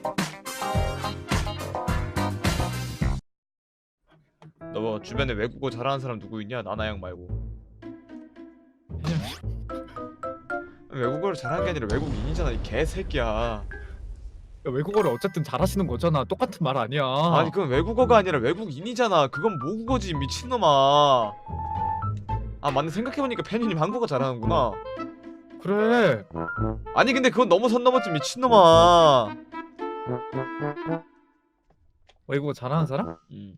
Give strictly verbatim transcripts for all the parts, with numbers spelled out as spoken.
너 주변에 외국어 잘하는 사람 누구 있냐? 나나양 말고. 외국어를 잘하는 게 아니라 외국인이잖아 이 개새끼야. 야, 외국어를 어쨌든 잘하시는 거잖아. 똑같은 말 아니야. 아니 그건 외국어가 아니라 외국인이잖아. 그건 모국어지 미친놈아. 아 맞네, 생각해보니까 팬이님 한국어 잘하는구나. 그래. 아니 근데 그건 너무 선 넘었지 미친놈아. 외국어 잘하는 사람? 음.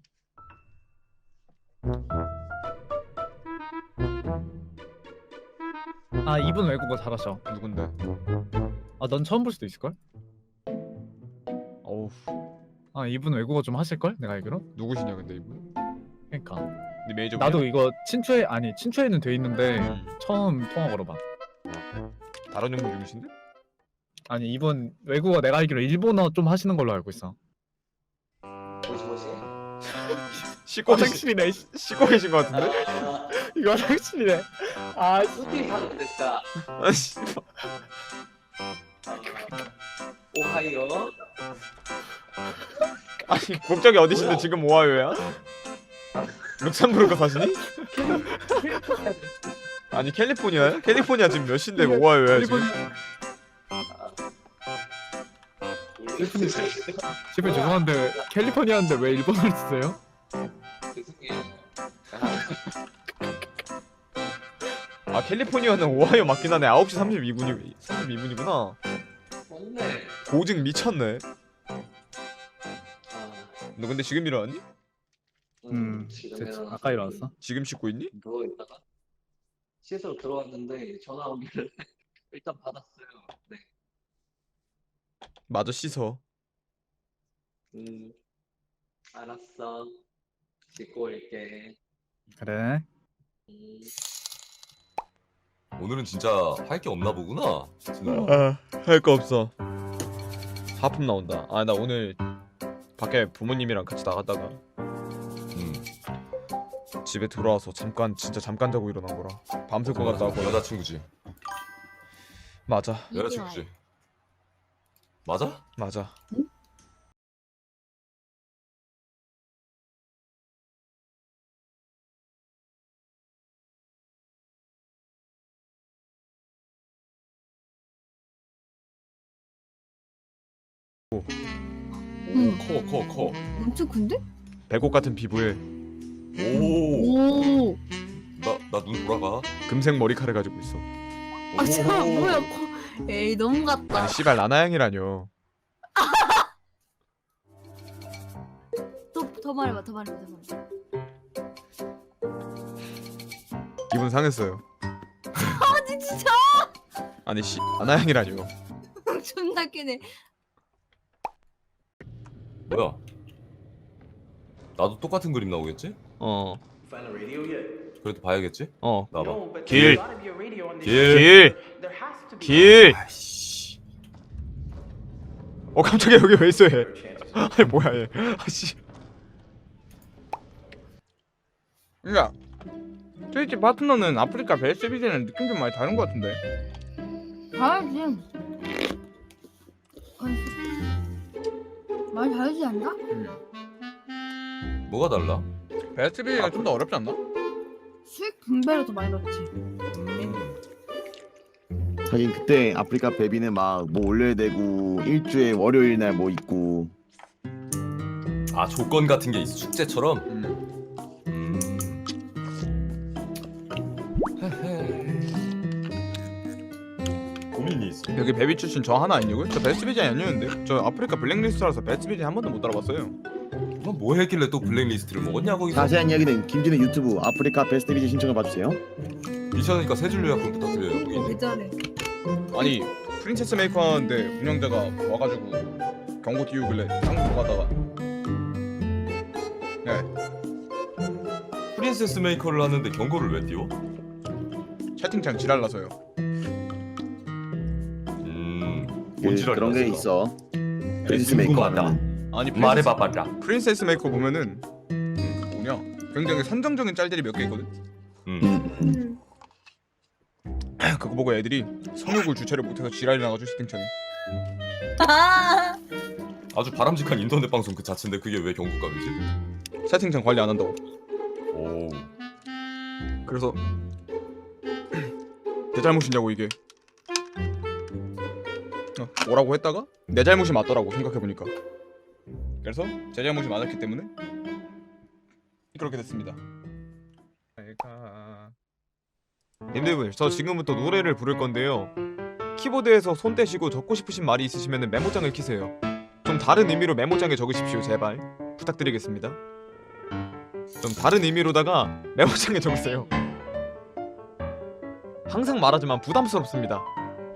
아, 이분 외국어 잘하셔. 누군데? 아, 넌 처음 볼 수도 있을걸? 어우 아, 이분 외국어 좀 하실걸? 내가 알기로? 누구시냐 근데 이분? 그니까 네 메이저 나도 이거 친추에 아니 친추에는 돼 있는데 음. 처음 통화 걸어봐. 다른 연구 중이신데? 아니 이분 외국어 내가 알기로 일본어 좀 하시는 걸로 알고 있어. 뭐지 뭐지? 씻고 계신 화장실이네. 씨. 씻고 계신 것 같은데? 아, 이거 화장실이네. 아, 스피 하는 됐다. 아씨. 오하이오. 아니 국적이 어디신데 뭐야? 지금 오하이오야? 룩셈부르크 사시니? 아니 캘리포니아야? 캘리포니아 지금 몇 시인데 오하이오야 지금? 셰프님 죄송한데 캘리포니아인데 왜 일본어를 쓰세요? 죄송해요. 아 캘리포니아는 오하이오 맞긴 하네. 아홉 시 삼십이 분이 삼십이 분이구나. 맞네. 고증 미쳤네. 아, 너 근데 지금 일어났니? 음, 지금 됐지. 일어났어. 아까 일어났어. 지금 씻고 있니? 누워 있다가 씻으러 들어왔는데 전화 오기를 일단 받았어요. 네. 마저 씻어. 음, 알았어. 씻고 올게. 그래. 음. 오늘은 진짜 할 게 없나 보구나. 진우야. 아, 할 거 없어. 하품 나온다. 아 나 오늘 밖에 부모님이랑 같이 나갔다가 음, 집에 들어와서 잠깐 진짜 잠깐 자고 일어난 거라. 밤샐 것 같다고. 여자친구지. 맞아 여자친구지. 맞아? 맞아. 응. 커, 커, 커. 엄청 큰데? 배꼽 같은 피부에 오, 오. 나, 나 눈 돌아가. 금색 머리카락 가지고 있어. 아, 참 오. 뭐야? 코... 에이 너무 같다. 아니 씨발 나나양이라뇨. 또 더 말해봐, 더 말해봐, 더 말해봐. 기분 상했어요. 아니 진짜 아니 씨 나나양이라뇨. 존나 깨네. 뭐야? 나도 똑같은 그림 나오겠지? 어 그래도 봐야겠지? 어. 나봐. 길. 길. 길. 길. 어 깜짝이야 여기 왜 있어 얘. 아니 뭐야 얘. 아씨. 야, 트위치 파트너는 아프리카 베스비즈는 느낌 좀 많이 다른 것 같은데. 다르지. 많이 다르지 않나? 뭐가 달라? 베스비즈가 좀 더 어렵지 않나? 수익 분배를 더 많이 넣지. 음, 하긴 그때 아프리카 베비는 막 뭐 올려야 되고 일주에 월요일 날 뭐 있고. 아 조건 같은 게 있어. 숙제처럼? 음. 음. 고민이 있어. 여기 베비 출신 저 하나 아니고요? 저 베스비즈 아니었는데. 저 아프리카 블랙리스트라서 베스비즈 한 번도 못 알아봤어요. 너 뭐 했길래 또 블랙리스트를 먹었냐 거기서? 자세한 이야기는 김진우 유튜브 아프리카 베스트 비즈 신청을 봐주세요. 미션이니까 세 줄로 약품 부탁드려요. 거기. 왜 저래? 아니 프린세스 메이커 하는데 운영자가 와가지고 경고 띄우길래 쌍 들어가다가 네 프린세스 메이커를 하는데 경고를 왜 띄워? 채팅창 지랄나서요. 음, 그, 뭔 지랄이 그런 게 났을까? 있어. 프린스 궁금하다. 메이커는 아니 말해봐 빨라. 프린세스 메이커 보면은 음, 뭐냐 굉장히 선정적인 짤들이 몇 개 있거든. 음. 음, 음. 그거 보고 애들이 성욕을 주체를 못해서 지랄이 나가지고 채팅창에. 아, 아주 바람직한 인터넷 방송 그 자체인데 그게 왜 경고감이지? 채팅창 관리 안 한다고. 오. 그래서 내 잘못이냐고 이게. 어, 뭐라고 했다가 내 잘못이 맞더라고 생각해보니까. 그래서 제 잘못이 맞았기 때문에 그렇게 됐습니다. 내가 님들 저 지금부터 노래를 부를 건데요. 키보드에서 손 떼시고 적고 싶으신 말이 있으시면 메모장을 키세요. 좀 다른 의미로 메모장에 적으십시오 제발 부탁드리겠습니다. 좀 다른 의미로다가 메모장에 적으세요. 항상 말하지만 부담스럽습니다.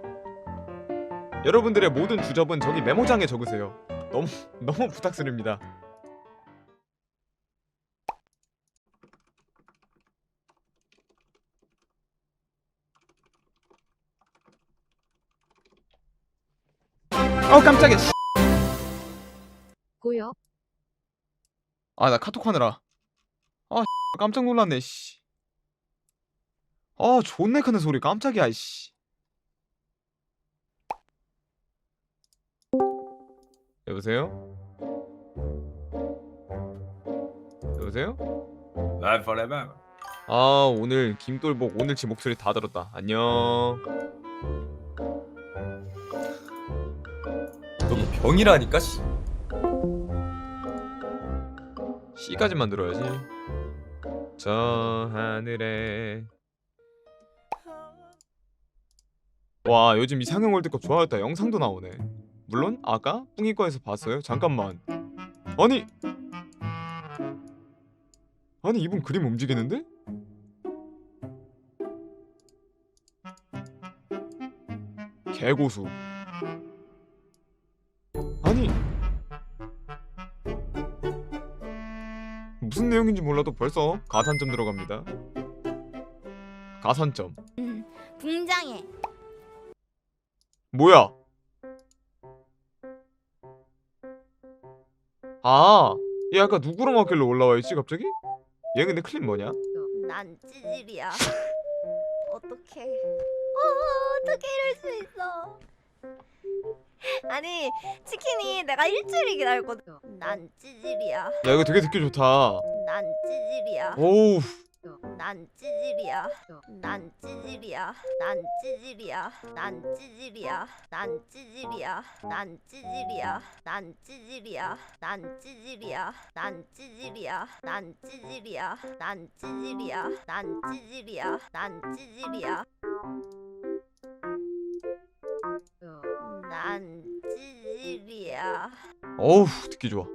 여러분들의 모든 주접은 저기 메모장에 적으세요. 너무 너무 부탁드립니다. 어 깜짝이야. 씨. 고요. 아 나 카톡 하느라. 아 깜짝 놀랐네. 씨. 아 존내 크는 소리 깜짝이야. 씨. 여보세요? 여보세요? Live forever. 아 오늘 김돌복 오늘치 목소리 다 들었다. 안녕. 너 병이라니까 씨. C까지만 들어야지. 저 하늘에. 와 요즘 이상형 월드컵 좋아했다. 영상도 나오네. 물론 아까 뿡이과에서 봤어요. 잠깐만. 아니 아니 이분 그림 움직이는데? 개고수. 아니 무슨 내용인지 몰라도 벌써 가산점 들어갑니다. 가산점. 음, 붕장해. 뭐야? 아, 얘 아까 누구랑 왔길래 올라와 있지 갑자기? 얘 근데 클립 뭐냐? 난 찌질이야. 어떡해. 어, 어떻게 이럴 수 있어. 아니, 치킨이 내가 일주일 기다렸거든. 난 찌질이야. 야 이거 되게 듣기 좋다. 난 찌질이야. 오우. 난 찌질이야. 난 찌질이야. 난 찌질이야. 난 찌질이야. 난 찌질이야. 난 찌질이야. 난 찌질이야. 난 찌질이야. 난 찌질이야. 난 찌질이야. 난 찌질이야. 난 찌질이야. 난 찌질이야. 난 찌질이야. 어우 듣기 좋아.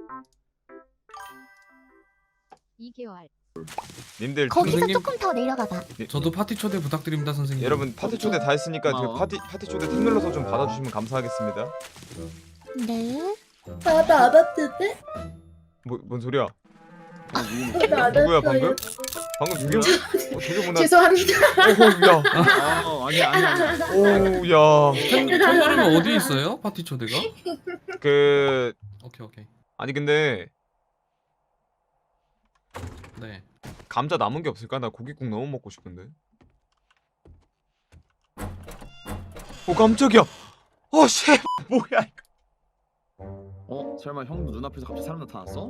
이 개월. 님들 거기서 선생님, 조금 더 내려가봐. 저도 파티 초대 부탁드립니다, 선생님. 여러분 파티 초대 다 했으니까 그 고마워. 파티 파티 초대 탭 눌러서 좀 받아주시면 감사하겠습니다. 네. 나도 안 왔는데? 뭐 뭔 소리야? 저도 안 누구야 왔어요. 방금? 방금 누구야? 어, 되게 못나. 죄송합니다. 오야. 아 아니 아니 아니. 오야. 템템버리면 어디 있어요? 파티 초대가? 그 오케이 오케이. 아니 근데 네. 감자 남은 게 없을까? 나 고깃국 너무 먹고 싶은데. 오 깜짝이야. 어 씨. 뭐야 이거. 어? 설마 형도 눈앞에서 갑자기 사람 나타났어?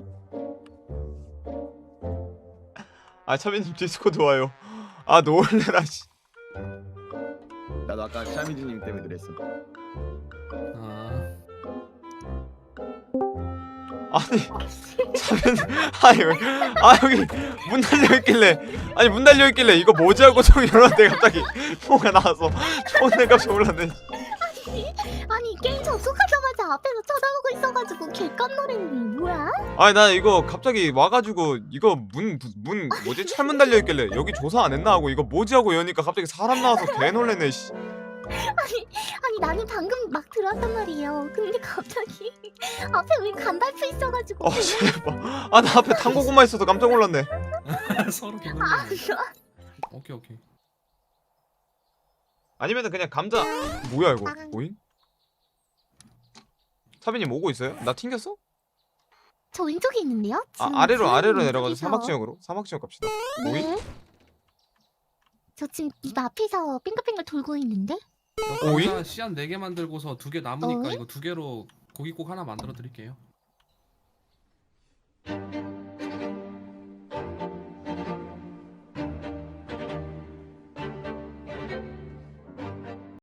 아 차빈님 디스코드 와요. 아 놀래라 씨. 나도 아까 샤미즈님 때문에 그랬어. 아. 아니 차빈 아니 왜, 아 여기 문 달려 있길래 아니 문 달려 있길래 이거 뭐지 하고 저기 열었는데 갑자기 뭐가 나와서 존나 깜짝 놀랐네. 아니 게임 접속하자마자 앞에서 쳐다보고 있어가지고 개깜놀했네. 뭐야? 아니 나 이거 갑자기 와가지고 이거 문 문 뭐지 철문 달려 있길래 여기 조사 안 했나 하고 이거 뭐지 하고 여니까 갑자기 사람 나와서 개 놀래네 씨. 아니 아니 나는 방금 막 들어왔단 말이에요. 근데 갑자기 앞에 왜 간달프 있어가지고. 어 제발. 아 나 앞에 탕고구마 있어서 깜짝 놀랐네. 서로 아, 개놀랐네. 오케이 오케이. 아니면은 그냥 감자 뭐야 이거 오잉? 차빈님 오고 있어요? 나 튕겼어? 저 왼쪽에 있는데요? 아 지금 아래로 지금 아래로 내려가서 왼쪽에서. 사막 지역으로 사막 지역 갑시다. 오잉? 네. 저 지금 입 앞에서 빙글빙글 돌고 있는데? 이거 오이? 감자 씨앗 네 개 만들고서 두 개 남으니까 어이? 이거 두 개로 고깃국 하나 만들어 드릴게요.